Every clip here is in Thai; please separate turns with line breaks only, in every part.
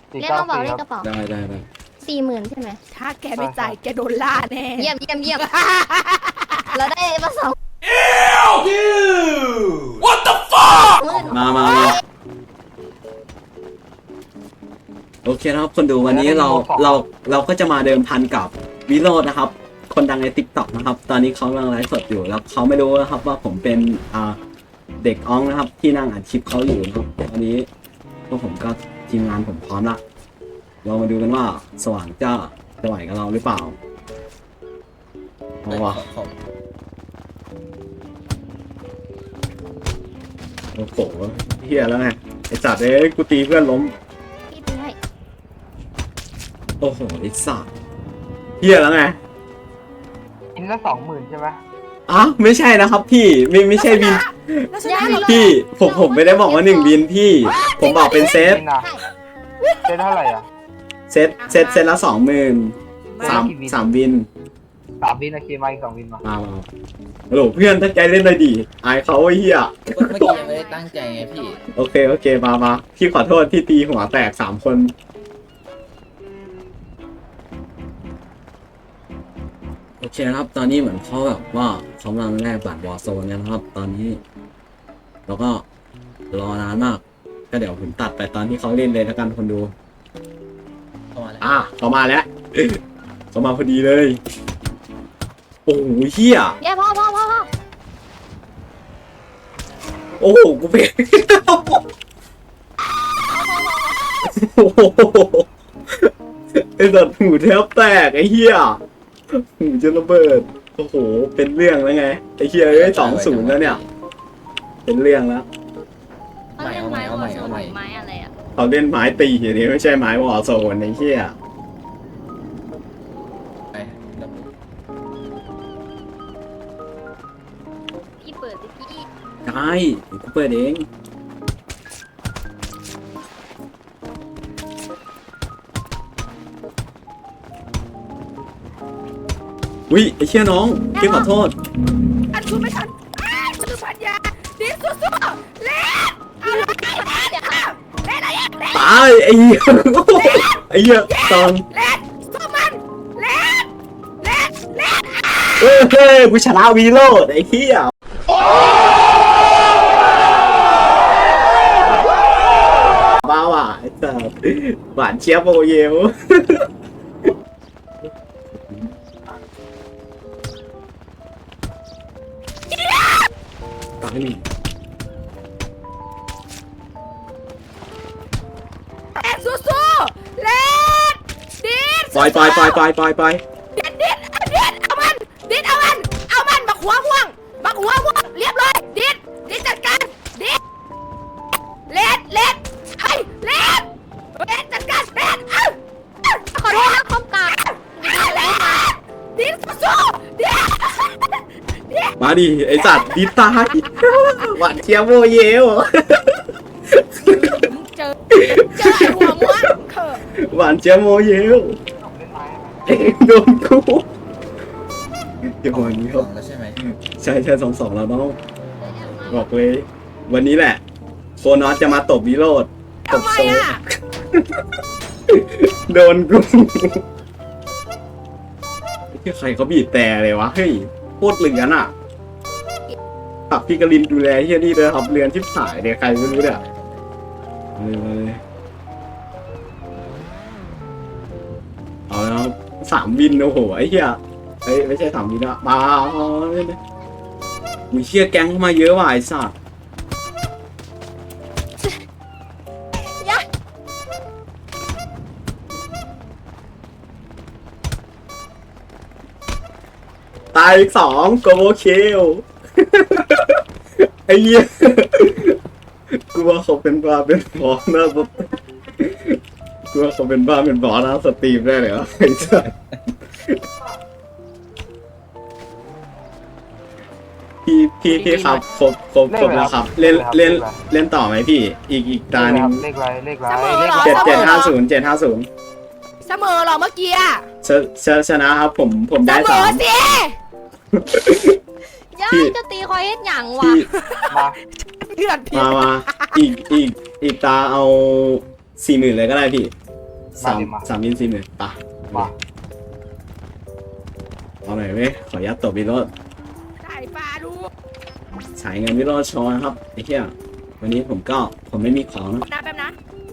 สี่
เรียก
เก้าก
ระเป๋า
สี่
เรีย
ค
ก
รับ
กระเป๋า
ได้
40,000ใช่ไหม
ถ้าแกไม่จ่ายแกโดนล่าแน่
เยี่ยมเราได้มา2
What the fuck
มาโอเคนะครับคนดูวันนี้เราก็จะมาเดิมพันกับวิโรจน์นะครับ คนดังใน TikTok นะครับ ตอนนี้เขากำลังไลฟ์สดอยู่แล้วเขาไม่รู้นะครับว่าผมเป็นเด็กอ้องนะครับ ที่นั่งอัดคลิปเขาอยู่นะครับตอนนี้พวกผมก็ทีมงานผมพร้อมละเรามาดูกันว่าสว่างจะไหวกับเราหรือเปล่าเอาวะโอ้โหเฮียแล้วไงไอสัตว์กูตีเพื่อนล้ม
พี่ตีให้
โอ้โหไอ้สัตว์เฮียแล้วไง
อินละ20,000ใช่ไหม
อ่ะไม่ใช่นะครับพี่ไม่ใช่บิน
แล้วฉันได้หรอ
พี่ผมไม่ได้บอกว่า1บินพี่ ผมบอกเป็นเซต
บินอะเซตเท่าไหร่อ่ะ
เซตละ20,000สามบิน
3 บินโอเคมาอีก2 บินมา
มาฮัลโหลเพื่อนตั้งใจเล่นเลยดิอายเขาไอ้เหี้ย
เมื่อกี้ยังไม่ได้ตั้งใจไงพี่
โอเคมาพี่ขอโทษที่ตีหัวแตก3 คนโอเคนะครับตอนนี้เหมือนเขาแบบว่าเขากำลังแลกบัตรวอร์โซนกันนะครับ ตอนนี้แล้วก็รอนานมากก็เดี๋ยวผมตัดไปตอนที่เขาเล่นเลยแล้วกันคนดู
เข้ามาแล้ว
เขามาแล้ว เขามาพอดีเลย โอ้โหเฮีย
เย้พ่อ
โอ้โหกูเป็นโอ้โหไอ้สัตว์หูแทบแตกไอ้เฮียหูจะระเบิดโอ้โหเป็นเรื่องแล้วไงไอ้เฮียได้2-0แล้วเนี่ยเป็นเรื่องแล้ว
เขาเล่นไม้วอลโซนไม้อะไรอ่ะ
เขาเล่นไม้ตีอย่างนี้ไม่ใช่ไม้วอลโซนไอ้เฮีย
ไปแล้ว
พี่เปิดสิพี่
ได้เดี๋ยวกูเปิดเองอุ้ยไอ้เชี่ยน้องพี่ขอโทษ
อันคุณไม่ทันฉันลืมพันยาดีสู้ๆเล่นเอาเลยเล่นอะไรเล่น
ตายไอ้เหี้ยไอ้เหี้ยตอน
เล่นสู้มันเล่น
เฮ้ยกูชนะวีโรดไอ้เหี้ยบ้าว่ะไอ้สัสหวานเชียบโอเยวตายหนึ่ง
เล่นสู้ๆเล่นดีด
ปล่อย
ดิดเอามันดิดเอามันบักหัวม่วงเรียบร้อยดิดจัดการดิดเล่นไอ้เล่นจัดการเล่น
ขอโทษนะคอมกาด
เล่นดิดสู้ๆดิด
มาดิไอ้สัตว์ดีตายหวานเชียบโอเยว
เจอไอ้หัวม่วงเถอะ
หวานเชียบโอเยว
เล่นไม้
โดนกูเดี๋ยววันนี้
ส
เขา
องแล้วใช่ไหม
ใช่2-2แล้วน้องบอกเลย วันนี้แหละโฟนอสจะมาตบวิโรดตบ
ทำไม
โซ
อ่ะ
โดนกูที่ใครเขาบีบแต่เลยวะเฮ้ยโคตรเหลือนอ่ะฝากพี่กลินดูแลเฮียนี่เลยครับเรือนชิบหายเนี่ยใครไม่รู้เนี่ยเลยเอาแล้ว3 วินโอ้โหไอ้เหี้ยเฮ้ยไม่ใช่3 วินอะมามีเชี่ยแก๊งเข้ามาเยอะว่ะไอ้สัสตายอีก2โกโบเคลไอ้เหี้ยกูว่าเขาเป็นบ้าเป็นบอสนะกูว่าเขาเป็นบ้าเป็นบอสนะสตรีมได้เลยวะไอ้สัสพี่ครับครบแล้วครับเล่นต่อไหมพี่อีกตาหนึ่ง
เลขไร
750
เสมอเหรอเมื่อกี้อ่ะ
ชนะครับผม
เส
ได้
มอสิ
ย่าจะตีคอยเฮ็ดหยังวะ
พี่
มา
เดือด
มาอีกตาเอา40,000เลยก็ได้พี่สามวิน40,000ปะ
มา
เอาหน่อยเว้ยขออนุญาตตบวิโรจน์
ได้ปลาดู
ฉายเงินวิโรจน์โชว์นะครับไอ้เหี้ยวันนี้ผมไม่มีของนะ
นะแป๊บนะ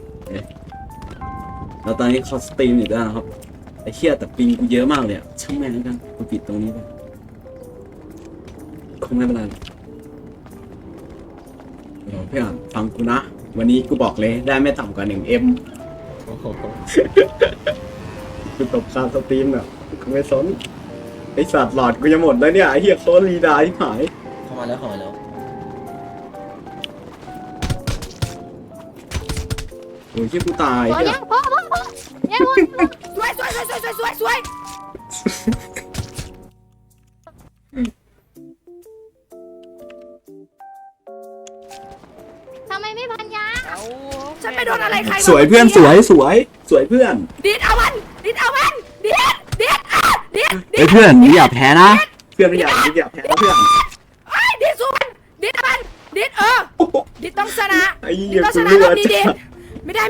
แล้วตอนนี้เขาสตรีมอยู่ด้วยนะครับไอ้เหี้ยแต่ปิงกูเยอะมากเลยอะช่างแม่งแล้วกันกูปิดตรงนี้ไปคงไม่เป็นไรหรอกเดี๋ยวเพื่อนฟังกูนะวันนี้กูบอกเลยได้ไม่ต่ำกว่า 1M
โอ้โห
กูตบคาสตรีมแบบกูไม่สนไอสัตว์หลอดกูจะหมดแล้วเนี่ยไอเหี้ยโคตรรีดาที่หาย
เข้ามาแล้ว
โอ้ยที่กูตาย
พอ
เหี้ย
ยังพอยังวะ
สวยสวย
ทำไมไม่พันยา
ฉันไปโดนอะไรใคร
สวยเพื่อนสวยเพื่อน
ดิดเอามันดิดอ่ะดิด
เฮ้ยเพื่อนอย่าแพ้นะเพื่อนอย่าแพ้นะเพื่อน
ไอ้ดิดสู้มันดิดเอามันดิดดิดต้องชนะ
ไอ้
ดิ
เหี้
ด
ย
ต้องช
กู
นะ
เลื
ร
อ
อบ
ด
นี้ดิดไม่ได้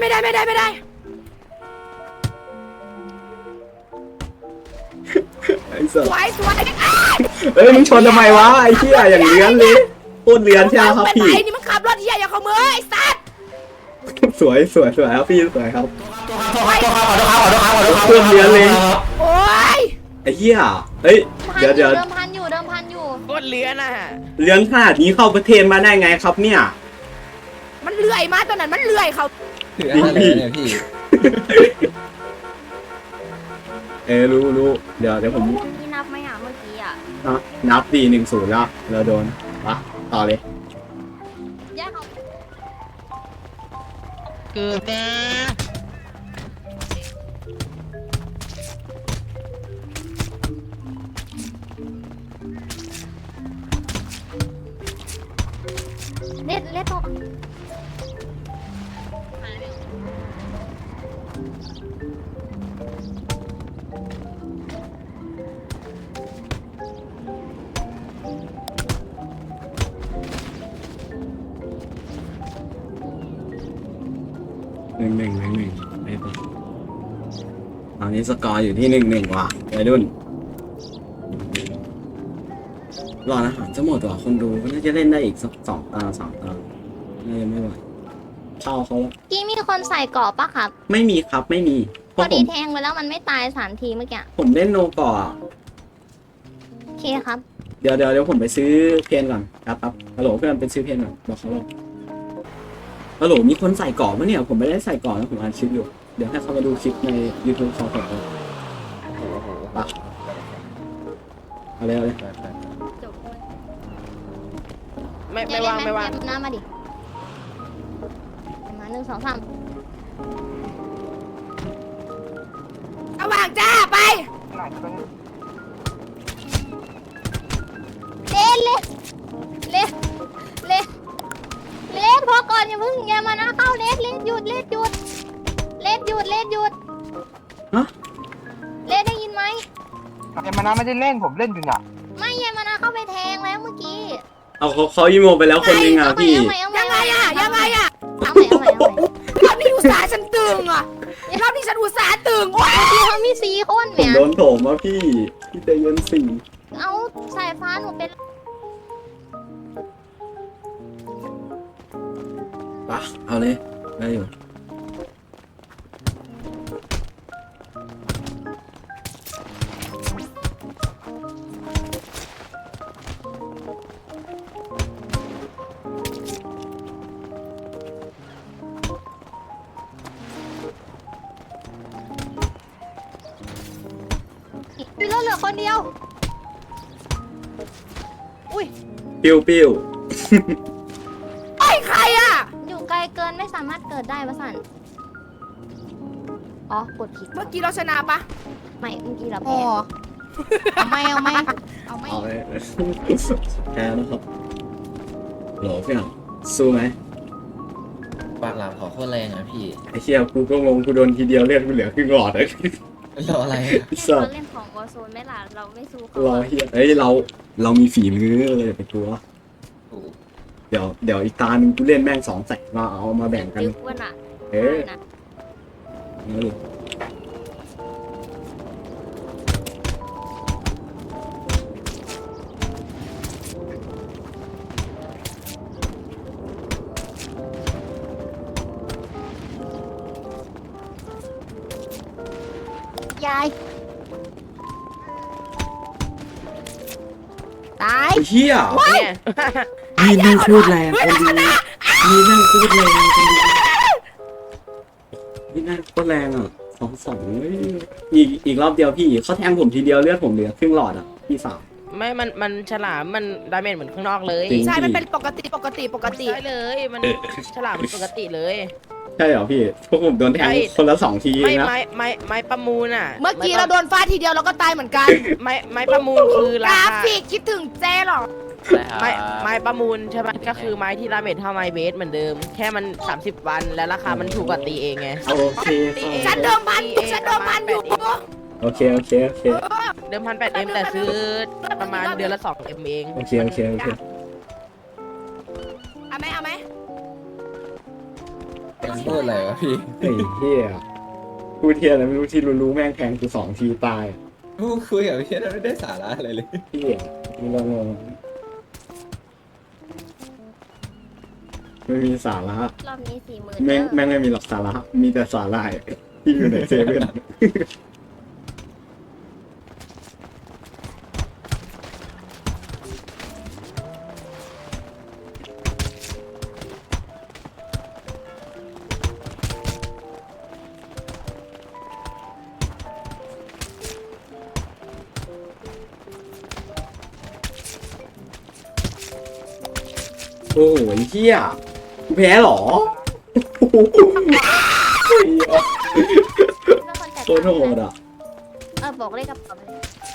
ไอ้สัต
ส
ว์
วยอ่ะ
เอ้ยมึงชนทำไมวะไอ้เหี้ยอย่างเลี้ยนเลยโคตรเลี้ยนใช่ไหมครับ
เป็น
พี่
ไรนี่มันขับรถเหี้ยอย่าเข้ามือไอ้สัตว์
สวยครับพี่สวยครับโคตรเลี้ยนเลย
โอ้ย
ไอ้เหี้ยเฮ้ยเดี๋ยว
เดิมพันอยู่
โคตรเลื้อนอ่ะ
เลี้ยนขนาดนี้เข้าประเทศมาได้ไงครับเนี่ย
มันเลื่อยมาตอนนั้นมันเลื่อยเขา
ถืออะไรเนี่ยพี่
รู้เดี๋ยวผม
พี่นับไหมอ่ะเมื่อกี้อ่ะ
นับดี1-0แล้วเราโดนปะต่อเลย
แยกเขา
เกิดนะ
เล็ดตก
1-1ไปต่อตอนนี้สกอร์อยู่ที่1-1ว่ะวัยรุ่นรออาหารจะหมดว่ะคนดูก็น่าจะเล่นได้อีกสัก2 ตา 3 ตาน่าจะไม่ไหวเข้าเขาแล้ว
กี้มีคนใส่เกราะปะครับ
ไม่มีครับไม่มีเพ
พอ
ราะผ
ดี
ม
แทงไปแล้วมันไม่ตาย3 ทีเมื่อกี้
ผมเล่นโนก่ออะ
โอเคครับ
เดี๋ยวผมไปซื้อเพนก่อนครับฮัลโหลเพื่อนไปซื้อเพนก่อนบอกเขาเลยฮัลโหลมีคนใส่ก่อปะเนี่ยผมไม่ได้ใส่ก่อนะผมอ่านคลิปอยู่เดี๋ยวให้เขามาดูคลิปใน YouTube เขาก่อนปะเอาเลย
จบ
ไม่วาง
เย็นน้ำมาดิมา1 2 3
เอาวางจ้าไป
ไหนจะเป็น
เลสพอก่อนอย่ามานะเข้าเลสหยุด
ฮะ
เลสได้ยินไหม
เยมานาไม่ได้เล่นผมเล่นอยู่เนี่ย
ไม่เยมานะเข้าไปแทงแล้วเมื่อกี้
เอาเขาอีโมไปแล้วคนนึงอ่ะพี่
ยังไงอ่ะ
เอาใหม่
รอบนี้อุตส่าห์ฉันตึงอ่ะรอบนี้ฉันอุตส่าห์ตึงโอ้ย
พี่เขามี4 คน
ผม
เนี่ย
โดนโถมว่าพี่ใจเย็นสิ
เอาสายฟ้าหนูเป็น
ปะเอาเลยได้อยู่
มีรถเหลือคนเดียว อุ้ย
ปิ้ว
ไอ้ใครอ่ะ
อยู่ไกลเกินไม่สามารถเกิดได้วะสันอ๋อกดผิด
เมื่อกี้เราชนะปะ
ไม่เมื่อกี้เรา
อ๋
แพ้
อ
เอาไม่
เอาเลยแพ้นะครับโหลพี่หนังสู้ไหม
ปากหลามขอโคตรแรงอ่ะพี่
ไอ้เชี่ยกูก็งงกูโดนทีเดียวเลือดกูเหลือครึ่งหลอดเลย
รออะไร
สั
เรา
ตว์
เล่นของวอร์โซนไม่ล่ะเราไม่สู้เขา
รอเฮียเฮ้ยเรามีฝีมือเลยไปกลัว
โอ้โห
เดี๋ยวอีกตาหนึงกูเล่นแม่ง2 แสนมาเอามาแบ่งกัน
ตึกอ้วนอ่ะ
เอ๊ะ
นะ
เอาดิ
ยายตาย
ไอ้เหี้ย
เนี่ย
มีนั่งโคตรแรงคนดูมีนั่งโคตรแรงคนดูมีนั่งโคตรแรงอ่ะ2-2เฮ้ยอีกรอบเดียวพี่เขาแทงผมทีเดียวเลือดผมเหลือครึ่งหลอดอ่ะพี่สาว
ไม่มันฉลามมันดาเมจเหมือนข้างนอกเลย
จริง
ใช่ มันเป็นปกติ
ใช่เลยมันฉลามมันปกติเลย
ใช่เหรอพี่พวกผมโดนแทงคนละ2 ทีเอ
ไม่
งนะ
ไม้ประมูลอ่ะ
เมื่อกี้เราโดนฟาดทีเดียวเราก็ตายเหมือนกัน
ไม้ประมูลคือก รา
รา
คา
ฟิกคิดถึงเจ๊หรอ
ไม้ประมูลใช่ไหมก็คือไม้ที่ดาเมจเท่าไม้เบสเหมือนเดิม แค่มัน30 วันแล้วราคามันถูกกว่าตีเองไง
โอเค
ฉันเดิมพันอยู่
โอเค
เดิม1,800 แต่ซื้อประมาณเดือนละ2Mเอง
โอเค
เอาไหม
พูดอะไรวะพี่
ไอ้เหี้ยพูดเทียอะไรไม่รู้ที่รู้แม่งแทงกู2 ทีตาย
พูดคุยกับพี่ไม่ได้สาระอะไรเลย
เหี้ยมึงงงไม่มีสาระ
รอบนี้40,000
แม่งไม่มีหลักสาระมีแต่สาระที่อยู่ในเซเว่น โอ้ยเหี้ยกูแพ้เหรอโคตรโหดอ่ะ
บอกเลขกระเป๋าไป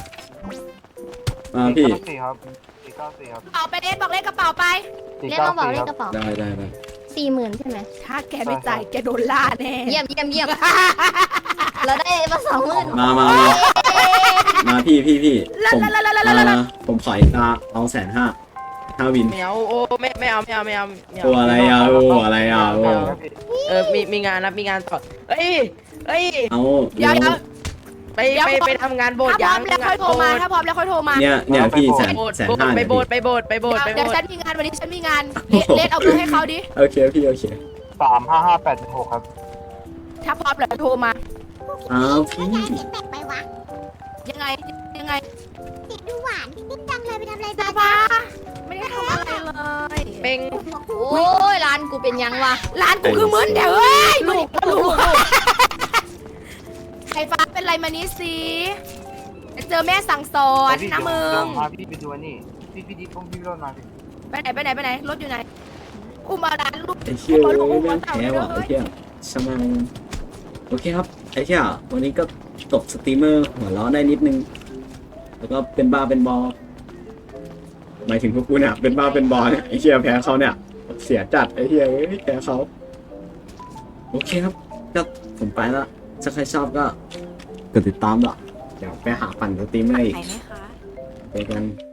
มาพี่
494ครับ494ครับ
เอาไปเดทบอกเลขกระเป๋าไป
เลขต้องบอกเลขกระเป๋า
ได้
40,000ใช่ไหม
ถ้าแกไม่จ่ายแกโดนล่าแน่
เยี่ยมเราได้มา20,000
มาพี่ผมขออีกเอา150,000วิน
ไม่เอาโอ้ไม่เอา
โอ้อะไรอ่ะโอ้อะไรอ่ะโอ้
มีงานนะมีงานต่อเอ้ย
เอา
เดี๋ยว
ไปทำงานโบสถ์
ถ้าพร้
ยั
อง มแล้วค่อยโทรมาถ้าพร้อมแล้วค่อยโทรมา
เนี่ยพี่150,000
ไปโบสถ์
เดี๋ยวฉันมีงานวันนี้ฉันมีงานเลทเอาเบอร์ให้เขาดิ
โอเคพี่โอเค
35586ครับ
ถ้าพร้อมแล้วโทรมา
อ้าวพี่
ไปวะ
ยังไง
เสียงดูหวานนิดจังเลยไปทำอะไร
จ้า
บ้า
ป้าไม่ได้ทำอะไรเลย
เป็ง
โอ้ยร้านกูเป็นยังวะ
ร้านกูคือมึนเดี๋ยวเอ้ยลูกไฟฟ้าเป็นไรมานี่สิเจอแม่สั่งสอนนะมึง
พาพี่ไปดูนี่พี่ดีผมพี่รถมาพี่
ไปไหนรถอยู่ไหนกูมาร้านลูก
ไอ้เชี่ยแม่งแพ้ว่ะไอ้เชี่ยสมังโอเคครับไอ้เชี่ยวันนี้ก็ตกสตรีมเมอร์หัวล้อได้นิดนึงแล้วก็เป็นบ้าเป็นบอหมายถึงพวกกูเนี่ยเป็นบ้าเป็นบอเนี่ยไอ้เชี่ยแพ้เขาเนี่ยเสียจัดไอ้เชี่ยแพ้เขาโอเคครับก็ผมไปแล้วถ้าใครชอบก็กดติดตามหรอเดี๋ยวไปหาปั่นสตรีมเมอร์อีก
ไหนไหมคะ
ไปกัน